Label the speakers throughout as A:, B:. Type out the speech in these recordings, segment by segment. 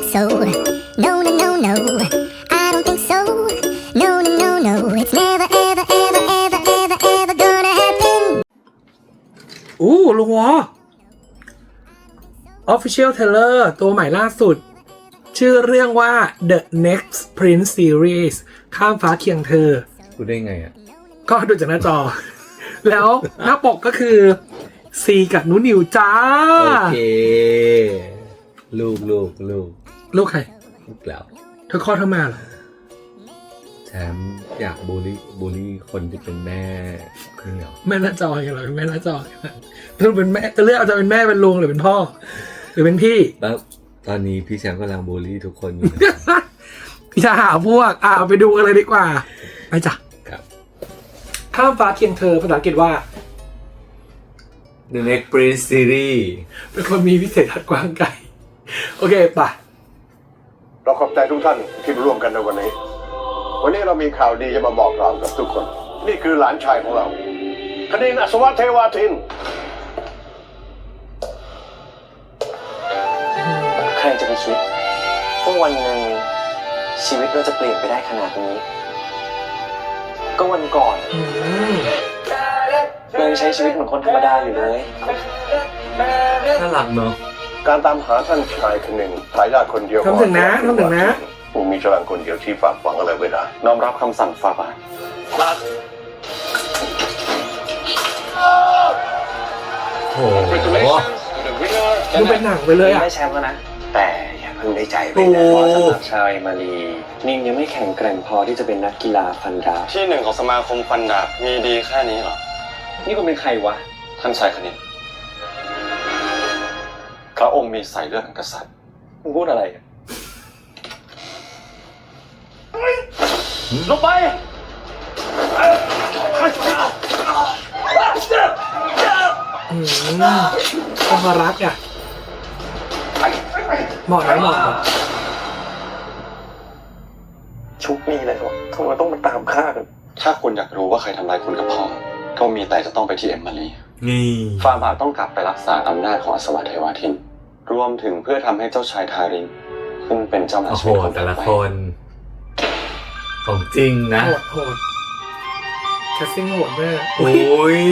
A: so. No, no, no, no. I don't think so. No, no, no, no. It's never, ever, ever, ever, ever, ever gonna happen.
B: ลุงวอ Official Trailer ตัวใหม่ล่าสุด ชื่อเรื่องว่า The Next Prince Series ข้ามฟ้าเคียงเธอ
C: พูดได้ไงอ่ะ
B: ก็ดูจากหน้าจอ แล้วหน้าปกก็คือซีกับนุนิวจ้า
C: โอเคลูก
B: ใคร
C: ลูกแล้ว
B: เธอคลอดเธอมาเหรอ
C: แชมป์อยากบูลลี่คนที่เป็นแม่คือเหรอ
B: แม่หน้าจออย่างไรแม่หน้าจอเธอเป็นแม่จะเลือกเอาจะเป็นแม่เป็นลุงหรือเป็นพ่อหรือเป็นพี่
C: แล้วตอนนี้พี่แชมป์กำลังบูลลี่ทุกคนอยู่
B: อย่าหาพวกไปดูกันเลยดีกว่าไปจ้ะ
C: ครับ
B: ข้ามฟ้าเคียงเธอภาษาอังกฤษว่า
C: The Next Prince Series
B: เป็นคนมีวิเศษทัศน์กว้างไกลโอเคป่ะ
D: เราขอบใจทุกท่านที่ร่วมกันในวันนี้เรามีข่าวดีจะมาบอกกล่าวกับทุกคนนี่คือหลานชายของเราคณิน อัศวะเทวาทิน
E: ใครจะไปคิดว่าวันหนึ่งชีวิตเราจะเปลี่ยนไปได้ขนาดนี้ก็วันก่อนเรายังใช้ชีวิตเหมือนคนธรรมดาอยู่เลย
C: น่ารักเนาะ
D: การตามหาท่านชายคณินทายาทคนเดียว
B: ทำถึงนะ
D: ผู้มีพลังคนเดียวที่ฝากฝังอะไรไว้ได้
E: น้อมรับคำสั่งฝ่าบาท
C: โอ้โห
B: ดูเป็นหนังไปเลย
E: ได้แชมป์แล้วนะแต่อย่าเพิ่งได้ใจไปนะเพราะสำหรับชาวเอมารีนิ่งยังไม่แข็งแกร่งพอที่จะเป็นนักกีฬาฟันดาบ
F: ที่หนึ่งของสมาคมฟันดาบมีดีแค่นี้เหรอ
E: นี่คุณเป็นใครวะ
F: ท่านชายคณินพระองค์มีสายเลือดแห่งกษัตริย์
E: มึงพูดอะไร
F: ลงไป
B: ความรักอ่ะเหมาะ
E: ชุกนี่เลยวะทำไมต้องมาตามฆ่ากัน
F: ถ้าคุณอยากรู้ว่าใครทำร้ายคุณกับพ่อก็มีแต่จะต้องไปที่เอมมารี
C: นี่
F: ฟาบาทต้องกลับไปรักษาอำนาจของอัศวะเทวาทินรวมถึงเพื่อทำให้เจ้าชายทารินขึ้นเป็นเจ้ามหาชีวิตของ
C: แต่ละคนของจริงนะ
B: โหดแคสซิ่งโหดมาก
C: โอ้ย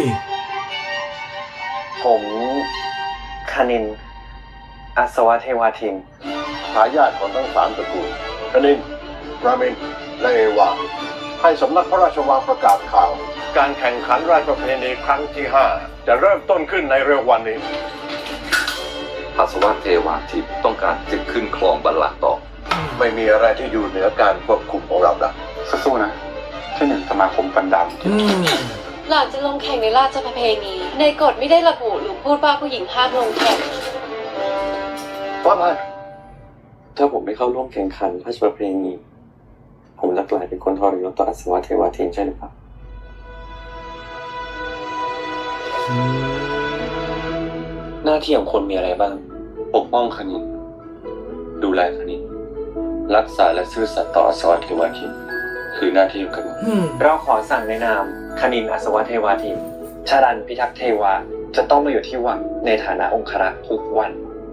E: ผมคณินอัศวะเทวาทิน
D: ทายาทของทั้ง3ตระกูลคณินรามินและเอวาให้สำนักพระราชวังประกาศข่าวการแข่งขันราชประเพณีครั้งที่5จะเริ่มต้นขึ้นในเร็ววันนี้
G: อัศวะเทวาทินต้องการจะขึ้นครองบัลลังก์ต่อ
D: ไม่มีอะไรที่อยู่เหนือการควบคุมของเราได้
F: สู้ๆนะที่หนึ่งสมาคมฟันดาบ
H: หลังจะลงแข่งในราชประเพณีในกฎไม่ได้ระบุหรือพูดว่าผู้หญิงห้ามลงแข่ง
E: ว่ามาถ้าผมไม่เข้าร่วมแข่งขันราชประเพณีผมจะกลายเป็นคนทรยศต่ออัศวะเทวาทินใช่หรือเปล่าหน้าที่ของคนมีอะไรบ้าง
F: ปกป้องคณินดูแลคณินรักษาและซื่อสัตย์ต่ออัศวะเทวาทินคือหน้าที่ของกษัตริย์
E: เราขอสั่งในนามคณินอัศวะเทวาทินชาดันพิทักษ์เทวาจะต้องมาอยู่ที่วังในฐานะองครักษ์ทุกวัน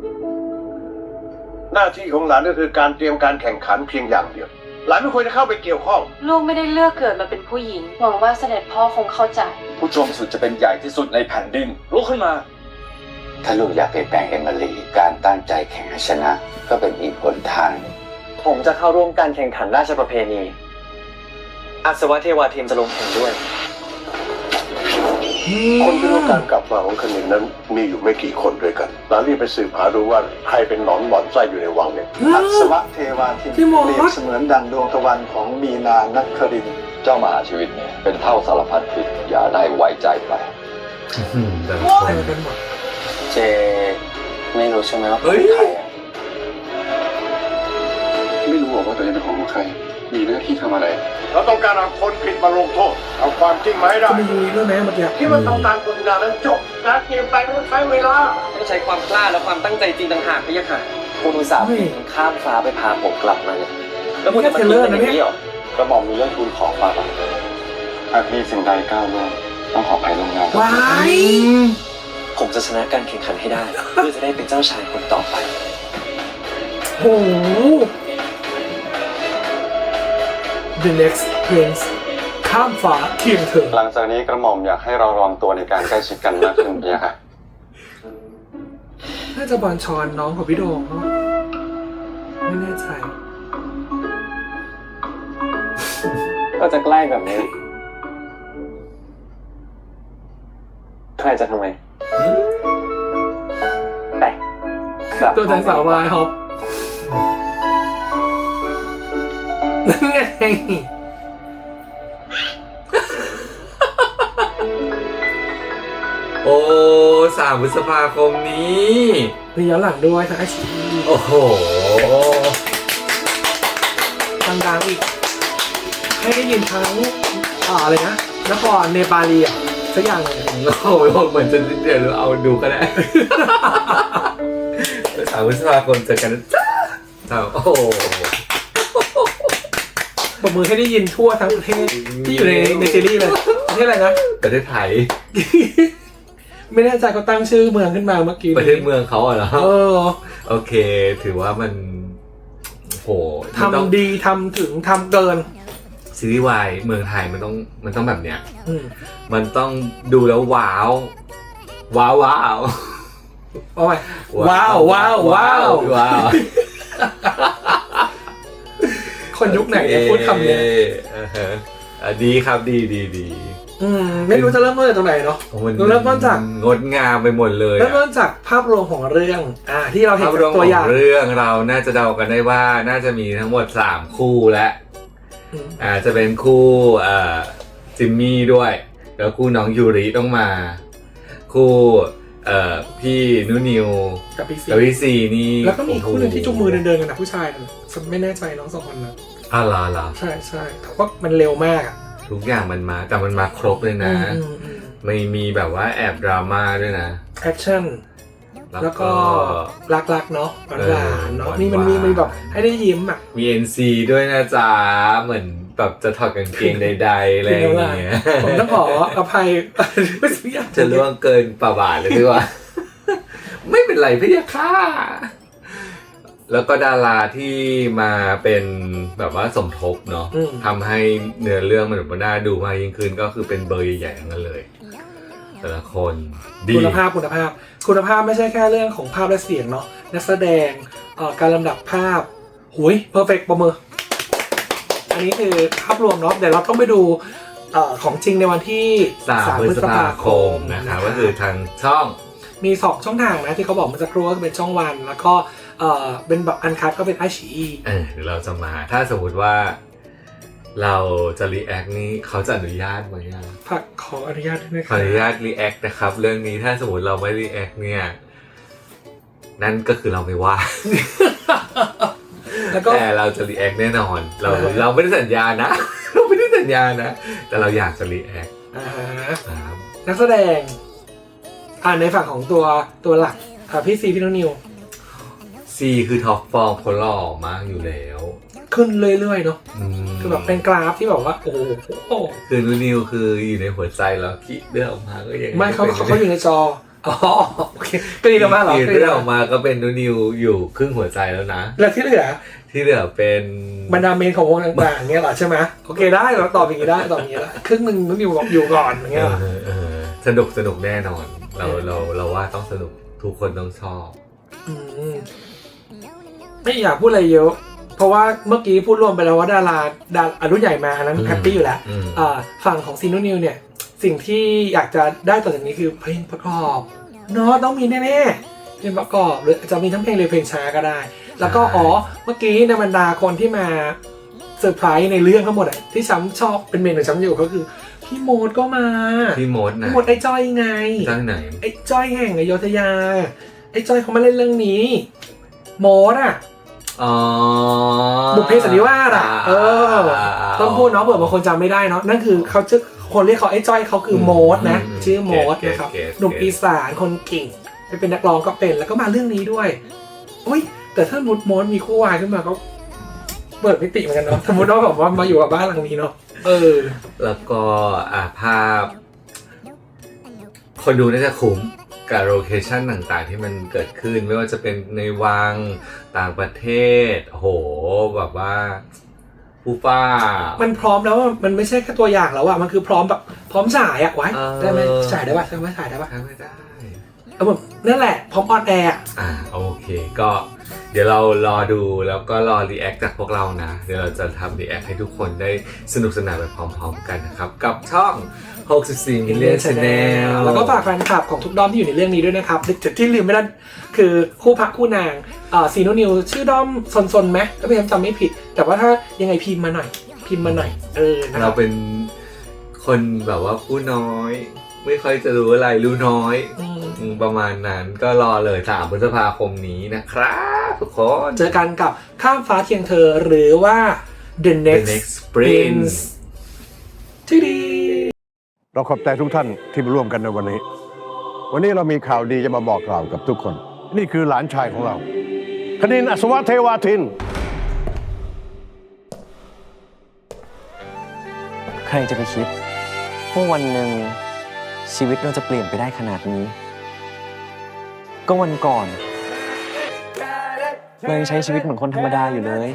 D: หน้าที่ของหลานก็คือการเตรียมการแข่งขันเพียงอย่างเดียวหลานไม่ควรจะเข้าไปเกี่ยวข้อง
H: ลูกไม่ได้เลือกเกิดมาเป็นผู้หญิงหวังว่าเสด็จพ่อคงเข้าใจ
F: ผู้ชมสุดจะเป็นใหญ่ที่สุดในแผ่นดินลุกขึ้นมา
G: ถ้าลูกอยากเปลี่ยนแปลงเอมิลีการตั้งใจแข่งชนะก็เป็นอีกหนทาง
E: ผมจะเข้าร่วมการแข่งขันราชประเพณีอัศวะเทวาทินจะลงแข่งด้วย
D: คนที่รู้การกลับมาของคณินนั้นมีอยู่ไม่กี่คนด้วยกันหลานรีบไปสืบหาดูว่าใครเป็นหนอนบ่อนไส้อยู่ในวังเนี่ย
I: อัศวะเทวาทินเปรียบเสมือนดังดวงตะวันของมีนานักคริน
G: เจ้ามหาชีวิตเนี่ยเป็นเท่าสารพัดผิดอย่าได้ไว้ใจไป
E: เจไม่รู้ใช่ไหมว่าเป็นใคร
F: ไม่รู้ว่าตัวเองเป็นของใครมีหน้าที่ทำอะไร
D: เราต้องการเอาคนผิดมาลงโทษเอาความจริงมาให้ได้
B: ไม่รู้เรื่องแม่เมื่อกี้
D: คิดว่าทำการกฎงานนั้นจบการเกมไปต้องใช้เวลา
E: ต้องใช้ความกล้าและความตั้งใจจริงต่างหากพี่ยะค่ะคุณอุตส่าห์ข้ามฟ้าไปพาผมกลับมาเนี่ยแล้วคุณจะมาทิ้งกันอย่างนี้เหรอกระหม่อมมีเรื่องทูลขอฟ้าบ้าง
F: หากมีสิ่งใดก้าวล่วงต้องขออภัยล่วงหน้า
E: ผมจะชนะการแข่งขันให้ได้เพื่อจะได้เป็นเจ้าชายคนต่อไป
B: โห The Next Prince ข้ามฟ้าเคียงเธอ
F: หลังจากนี้กระหม่อมอยากให้เราระวังตัวในการใกล้ชิดกันมากขึ้นพี่ค่ะ
B: น่าจะบอลชอนน้องของพี่โดมเนาะไม่แน่ใจ
E: ก็จะใกล้แบบนี้ใครจะทำไมแต่กลับ
B: ตัวแทนสาววายฮอปนั่นไง
C: โอ้3 พฤษภาคมนี้
B: มีย้อนหลังด้วยทั้งไอชี
C: โอ้โห
B: ดังๆอีก ให้ได้ยินทั้งอะไรนะนครเนปาลีอ่ะสักอย่างเลย
C: โอ้โหเหมือนจะเดี๋ยวเอาดูก็ได้ 3 พฤษภาคมเจอกันนะจ้าโอ้โห
B: ปรบมือให้ได้ยินทั่วทั้งประเทศที่อยู่ในซีรีส์เลยประเทศอะไรนะ
C: ประเทศไทย
B: ไม่แน่ใจเขาตั้งชื่อเมืองขึ้นมาเมื่อกี้
C: ประเทศเมืองเขาเหรอ โอเค ถือว่ามันโห
B: ทำดีทำถึงทำเกิน
C: ซีรีส์วายเมืองไทยมันต้องแบบเนี้ย
B: มัน
C: ต้องดูแล้วว้าวว้าวว้าว
B: โอ้ยว้าวว้าวว้าว
C: ว้าว
B: คนยุคไหนเนี่ยพูดคำเนี้ย
C: ดีครับดี
B: ไม่รู้จะเริ่มต้นจากตรงไหนเนาะเริ่มต้นจาก
C: งดงามไปหมดเลย
B: เริ่มต้นจากภาพรวมของเรื่องที่เราเห็น
C: ภาพรวม
B: ตัว
C: ข
B: อย่า
C: อง งเรื่องเราน่าจะเดากันได้ว่าน่าจะมีทั้งหมด3คู่และจะเป็นคู่จิมมี่ด้วย แล้วคู่น้องยูริต้องมา คู่พี่นุนิว
B: กับพี่ซี
C: นี่
B: แล้วก็มีคู่หนึงที่จุงมือเดินกันนะผู้ชายไม่แน่ใจน้อง2 คนนะ
C: เหรอ
B: ใช่แต่ว่ามันเร็วมากอะ
C: ทุกอย่างมันมาแต่มันมาครบเลยนะ ไม่มีแบบว่าแอบดราม่าด้วยนะ
B: แอคชั่นแล้วก็รักๆเนาะหวานๆเนาะนี่มันมีแบบให้ได้ยิ้มอ่ะ
C: มี NC ด้วยนะจ๊ะเหมือนแบบจะถอดกางเกงใดๆอะไรอย่างเงี้ย
B: ผมต้องขออภัย
C: จะล่วงเกินป่าบาทเลยดีกว่า ไม่เป็นไรพี่ค่ะแล้วก็ดาราที่มาเป็นแบบว่าสมทบเนาะทำให้เนื้อเรื่องมันแบบน่าดูมากยิ่งขึ้นก็คือเป็นเบอร์ใหญ่ๆทั้งนั้นเลยแต่ละคนดี
B: คุณภาพไม่ใช่แค่เรื่องของภาพและเสียงเนาะนักแสดงการลำดับภาพหุยเพอร์เฟกต์ประเมินอันนี้คือภาพรวมเนาะเดี๋ยวเราต้องไปดูของจริงในวันที่
C: 3 พฤษภาคมนะครับก็คือทางช่อง
B: มี2 ช่องทางนะที่เขาบอกเมื่อสักครู่ก็เป็นช่องวันแล้วก็เป็นแบบอันคัทก็เป็นไอชี
C: เดี๋ยวเราจะมาถ้าสมมติว่าเราจะรีแอคนี้เขาจะอนุญาตไหม
B: ขออนุญาตด้วยนะค
C: ขออนุญาตรีแอคนะครับเรื่องนี้ถ้าสมมติเราไม่รีแอคเนี่ยนั่นก็คือเราไม่ว่า แต่เราจะรีแอคแน่นอนเราไม่ได้สัญญานะ เราไม่ได้สัญญานะแต่เราอยากจะรีแอค
B: นักแสดงในฝั่งของตัวหลักพี่ซีพี่นิว
C: ซีคือท็อปฟอร์มคนหล่อมากอยู่แล้ว
B: ขึ้นเรื่อยๆเนาะคือแบบเป็นกราฟที่แบบว่าโอ้โห
C: คือนิวคืออยู่ในหัวใจแล้วคิดเรื่องออกมาก็ยัง
B: ไม่เขาอยู่ในจอโอเคก็ดีมากเหรอ
C: เรื่องออกมาก็เป็นนิวอยู่ครึ่งหัวใจแล้วนะ
B: แล้วที่เหลือ
C: เป็น
B: บรรดาเมนของวงต่างๆเงี้ยเหรอใช่ไหมโอเคได้เราตอบอย่างนี้ได้ตอบอย่างนี้ละครึ่งนึงนิวอยู่ก่อนอย่างเงี้ย
C: สนุกแน่นอนเราว่าต้องสนุกทุกคนต้องชอบ
B: ไม่อยากพูดอะไรเยอะเพราะว่าเมื่อกี้พูดรวมไปแล้วว่าดารารุ่นใหญ่มาอันนั้นแฮปปี้อยู่แล้วฝั่งของซีนูนิวเนี่ยสิ่งที่อยากจะได้ต่อจากนี้คือเพลงประกอบเนาะต้องมีแน่ๆเพลงประกอบหรือจะมีทั้งเพลงเร็วเพลงช้าก็ได้แล้วก็เมื่อกี้ในบรรดาคนที่มาเซอร์ไพรส์ในเรื่องทั้งหมดที่ช้ำชอบเป็นเมนหรือช้ำอยู่ก็คือพี่โมดก็มา
C: พี่โมด
B: ไอ้จ้อยไง
C: จ้อยไหน
B: ไอ้จ้อยแห่งอโยธยาไอ้จ้อยเขามาเล่นเรื่องนี้โมดบุพเพสันนิวาสต้องพูดเนาะเผื่อบางคนจำไม่ได้เนาะนั่นคือเขาชื่อคนเรียกเขาไอ้จ้อยเขาคือโมดนะชื่อโมดนะครับหนุ่มอีสานคนเก่งไปเป็นนักร้องก็เป็นแล้วก็มาเรื่องนี้ด้วยอุ้ยแต่ถ้าโมดมีคู่วายขึ้นมาก็เปิดมิติเหมือนกันเนาะสมมติว่าแบบว่ามาอยู่กับบ้านหลังนี้เนาะ
C: แล้วก็ภาพคนดูน่าจะคุ้มกับโลเคชั่นต่างๆที่มันเกิดขึ้นไม่ว่าจะเป็นในวังต่างประเทศโหแบบว่าผู้ป้า
B: มันพร้อมแล้วมันไม่ใช่แค่ตัวอย่างแล้วอะมันคือพร้อมแบบพร้อมฉายอะไว้ได้ไหมฉายได้ป่ะใช่ไหมฉายได้ป่ะ
C: ไม่ได้
B: แบบนั่นแหละพร้อมออนแอร์
C: โอเคก็เดี๋ยวเรารอดูแล้วก็รอรีแอคจากพวกเรานะเดี๋ยวเราจะทำรีแอคให้ทุกคนได้สนุกสนานไปพร้อมๆกันนะครับกับช่อง64 Million Channel
B: แล้วก็ฝากแฟนคลับของทุกด้อมที่อยู่ในเรื่องนี้ด้วยนะครับที่ลืมไม่ได้คือคู่พระคู่นางซีโนนิวชื่อด้อมซนๆไหมถ้าพี่จำไม่ผิดแต่ว่าถ้ายังไงพิมพ์มาหน่อย
C: เราเป็นคนแบบว่าผู้น้อยไม่ค่อยจะรู้อะไรรู้น้อยประมาณนั้นก็รอเลย3 พฤษภาคมนี้นะครับทุกคน
B: เจอกันกับข้ามฟ้าเคียงเธอหรือว่า The Next Prince ที่ดี
D: เราขอบใจทุกท่านที่มาร่วมกันในวันนี้เรามีข่าวดีจะมาบอกกล่าวกับทุกคนนี่คือหลานชายของเราคณินทร์ อัศวเทวาทิน
E: ใครจะไปคิดว่าวันหนึ่งชีวิตเราจะเปลี่ยนไปได้ขนาดนี้ก็วันก่อนเรายังใช้ชีวิตเหมือนคนธรรมดาอยู่เลย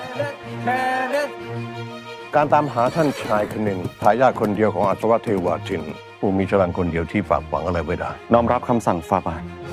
D: การตามหาท่านชายคณินทร์ทายาทคนเดียวของอัศวเทวาทินผู้มีพลังคนเดียวที่ฝากหวังอะไรไว้ได้
E: น้อมรับคำสั่งฝ่าบาท